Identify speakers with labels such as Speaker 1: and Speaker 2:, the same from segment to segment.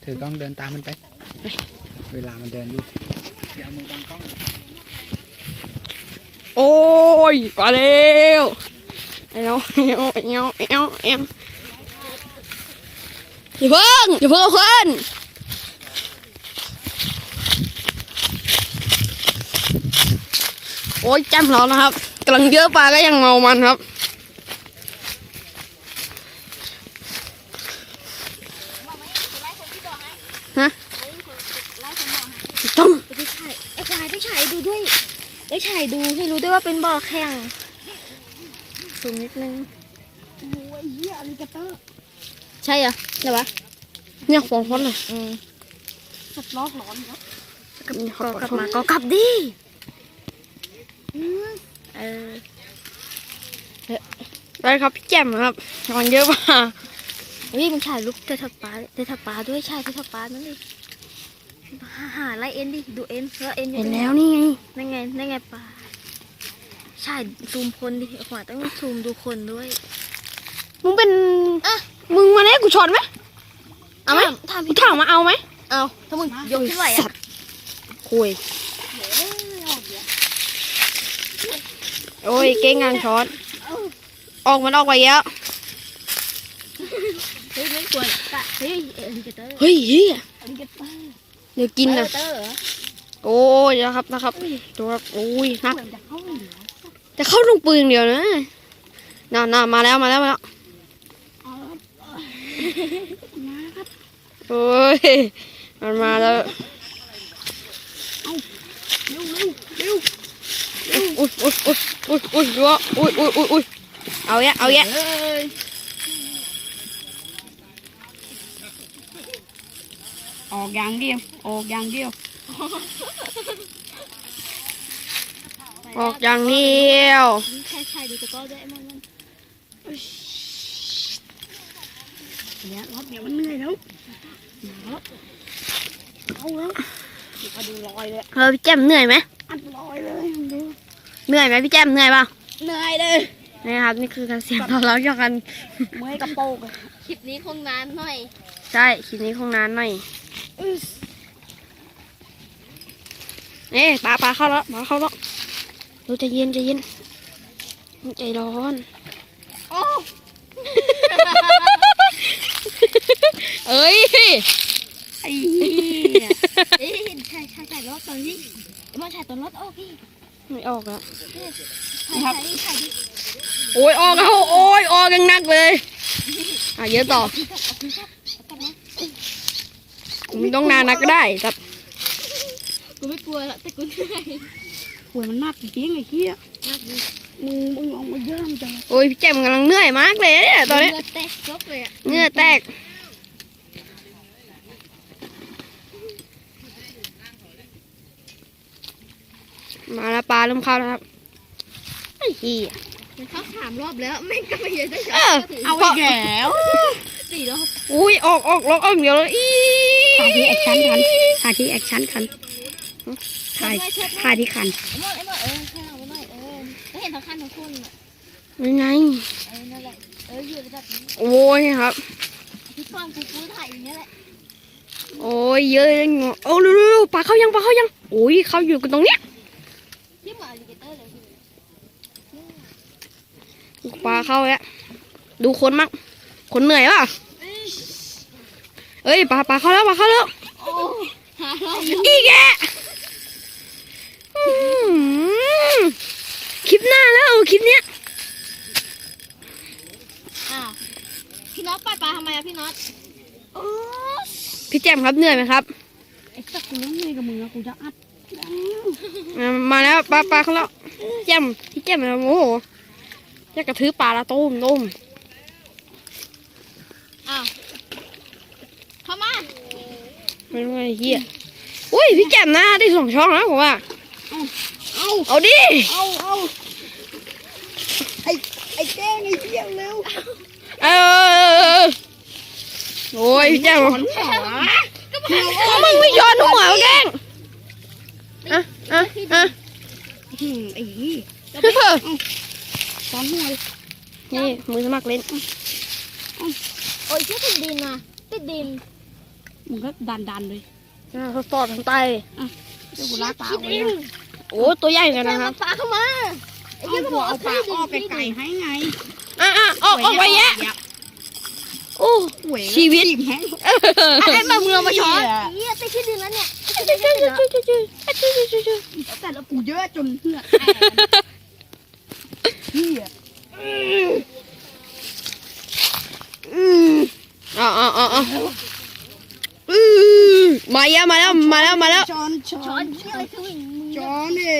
Speaker 1: ถือกล้องเดินตามมันไปเวลามันเดินอยู่อย่ามือบังกล้อง
Speaker 2: โอ้ยมาเร็วเอ้าอย่าเพิ่งเอาขึ้นโอ้ยแจ่มเรานะครับกำลังเยอะปลาก็ยังเมามันครับฮะต้อง
Speaker 3: ไปถ่ายไอ้ควายไปถ่ายดูด้วยไปถ่ายดูให้รู้ด้วยว่าเป็นบ่อแข่งสูงนิดนึง
Speaker 1: โอ้ยเหี้ยอลิเกเตอร์
Speaker 3: ใช่เหรอเดี๋ยววะ
Speaker 2: เนี่ยฟองฟอนเลย
Speaker 3: สับล้อร้อนครับกลับมาก็กลับดิ
Speaker 2: ได้ครับพี่แจ่มครับมันเยอะมาก
Speaker 3: เฮ้ยมันถ่ายรูปเตะทับปลาด้วยใช่เตะทับปลานั่นดิหาไล่เอ็นดิดูเอ็นแล้วเอ็น
Speaker 2: เห็นแล้วนี่ไง
Speaker 3: นั่นไงปลาใช่ซูมคนดิขวาต้องซูมดูคนด้วย
Speaker 2: มึงเป็นมึงมาเนี่ยกูชนไหมเอาไหมกูถามมาเอาไหม
Speaker 3: เอาถ้ามึงยกขึ้นไหวอ่ะ
Speaker 2: คุยโอ้ยเก่งงานช้อนออกมันออกไปแล้ว
Speaker 3: เฮ้ยไม่ควรเฮ้ย
Speaker 2: เฮ้ยเดี๋ยวกินนะโอ้ยนะครับดูครับโอ้ยนักจะเข้าลงปืนเดียวนะน่ามาแล้วโอ้ยมันมาแล้วอุ้ยดูว่าอุ้ยเอาแยะ
Speaker 1: ออกอย่างเดียว
Speaker 2: ออกอย่างเดียว
Speaker 3: ใช่ดูตะก้อด้วยมัน
Speaker 1: เนี่ยรอบเดียวมันเหนื่อยแล้วเอาแล้วมาดูรอยเลย
Speaker 2: พี่แจ่มเหนื่อยไหม
Speaker 1: อัดรอยเลยดู
Speaker 2: เหนื่อยไหมพี่แจ่มเหนื่อยป่ะ
Speaker 3: เหนื่อยเลย
Speaker 2: นี่ครับนี่คือการเสียงเราจากกัน
Speaker 1: เมื่อยกระโปง
Speaker 3: คลิปนี้คงนานหน่อย
Speaker 2: ใช่คลิปนี้คงนานหน่อยนี่ปลาเข้าแล้วดูใจเย็นใจร้อน
Speaker 3: โอ้
Speaker 2: เอ้ย
Speaker 3: ไอ้ใช่รถตอนนี้มาถ่ายตอนรถโอ้พี่
Speaker 2: ไม่ออกแล้ว
Speaker 3: ถ่ายดิ
Speaker 2: โอ้ยออกแล้วโอ้ยออกยังนักเลยเยอะต่อมึงต้องนานนักก็ได้ครับ
Speaker 3: กูไม่กลัวละแต่กูเหนื่อย
Speaker 1: หัวมันมากจริงไอ้เหี้ยมึงออกมาเยอะจัง
Speaker 2: โอ้ยพี่แจ่มกำลังเหนื่อยมากเลยเนี่ยตอนนี้
Speaker 3: เหงื่อแตกซบเลยอะ
Speaker 2: เหงื่อแตกมาแล้วปลาเริ่มเข้าแล้วครับไอ้เหี้ย
Speaker 3: มันเข้า3 รอบแล้วแม่งก็ไม่เยอะได้
Speaker 2: เอาอีกแล้ว
Speaker 3: 4 รอบ
Speaker 2: อุ้ยออกล็อกเดียวเลย
Speaker 1: ถ่ายที่แอคชั่นคันถ่ายที่คัน
Speaker 3: ไม่เห็นทั้งคันทั้งคุณ
Speaker 2: ยังไง
Speaker 3: นั่นแหละอยู่ระดับนี้
Speaker 2: โอ้ยครับ
Speaker 3: พี่ฟังกูถ่ายอย่างนี้แหละ
Speaker 2: โอ้ยเยอะเลยโอ้เร็วปลาเข้ายังโอ้ยเข้าอยู่กันตรงเนี้ย
Speaker 3: ที่หมาอลิเกเตอร์เลย
Speaker 2: ปลาเข้าแล้วดูคนมั้งคนเหนื่อยป่ะเอ้ยปลาเข้าแล้วอีกแกคลิปหน้าแล้วคลิปเนี้ย
Speaker 3: พี่น็อตปล่อยปลาทำไมอะพี่น็อต
Speaker 2: พี่แจ่มครับเหนื่อยไหมครับ
Speaker 1: ไอ้สักกูเหนื่อยกับมึงอะกูจะอัด
Speaker 2: มาแล้วปลาเข้าแล้วพี่แจ่มโอ้โหจะกระทืบปลาละต้ม
Speaker 3: เข้ามา
Speaker 2: ไม่รู้ไอ้เหี้ยอุ้ยพี่แจ่มหน้าได้2 ช่องแล้วผมว่าเอาดิ
Speaker 1: ไอ้แก้งไอ้เหี้ยเร็ว
Speaker 2: โอ้ยพี่แจ่มมึงไม่ย้อนหัวแกง
Speaker 1: ไอ้ยี่ซ้อนหัว
Speaker 2: นี่มือสมัครเล่น
Speaker 3: โอ้ยเชื่อติดดินมาติดดิน
Speaker 1: มึงก็ดันเลย
Speaker 2: ทดสอบทางใต้
Speaker 1: เดี๋ยวกูลากปลาไว้นะ
Speaker 2: โอ้ตัวใหญ่เหมือนกันนะครับ
Speaker 3: ปลาเข้ามาไอ้
Speaker 1: เอา
Speaker 3: เหี้ย
Speaker 1: หัวเอาปลาอ้อไก่ให้ไง
Speaker 2: ออกไปแยะโอ้
Speaker 1: หวย
Speaker 2: ชีวิต
Speaker 1: จีบแห้ง
Speaker 2: ไอ้ปลาเมืองมาช้อน
Speaker 3: ไอ้เหี้ยไปที่ดินแล้วเนี่ย
Speaker 1: แต่ละกูเยอะจนเหงื่อแตกเฮีย
Speaker 2: เอามาแล้ว
Speaker 1: ช้อน
Speaker 3: ช้อนเหี้ยอะไรคือมึง
Speaker 1: ช้อนนี่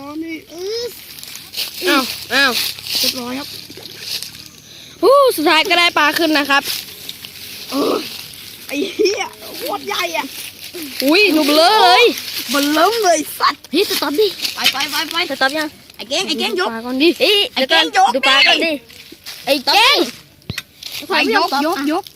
Speaker 2: อ้าว
Speaker 1: เรียบร้อยครับ
Speaker 2: สุดท้ายก็ได้ปลาขึ้นนะครับ
Speaker 1: ไอ้เหี้ยโคตรใหญ่อ่ะ
Speaker 2: อุ้ยหนุกเลย
Speaker 1: มันเริ่มเลยสัตว์
Speaker 3: เฮ้ยสต๊อปดิ
Speaker 1: ไป
Speaker 3: สต๊อปยัง
Speaker 1: ไอ้เก้งยก
Speaker 2: ปลาก่อนดิ
Speaker 3: เอ้ย
Speaker 1: ไอ้แกงยก
Speaker 3: ดูปลากันดิ
Speaker 2: ไอ้แก้ง
Speaker 1: ไปยก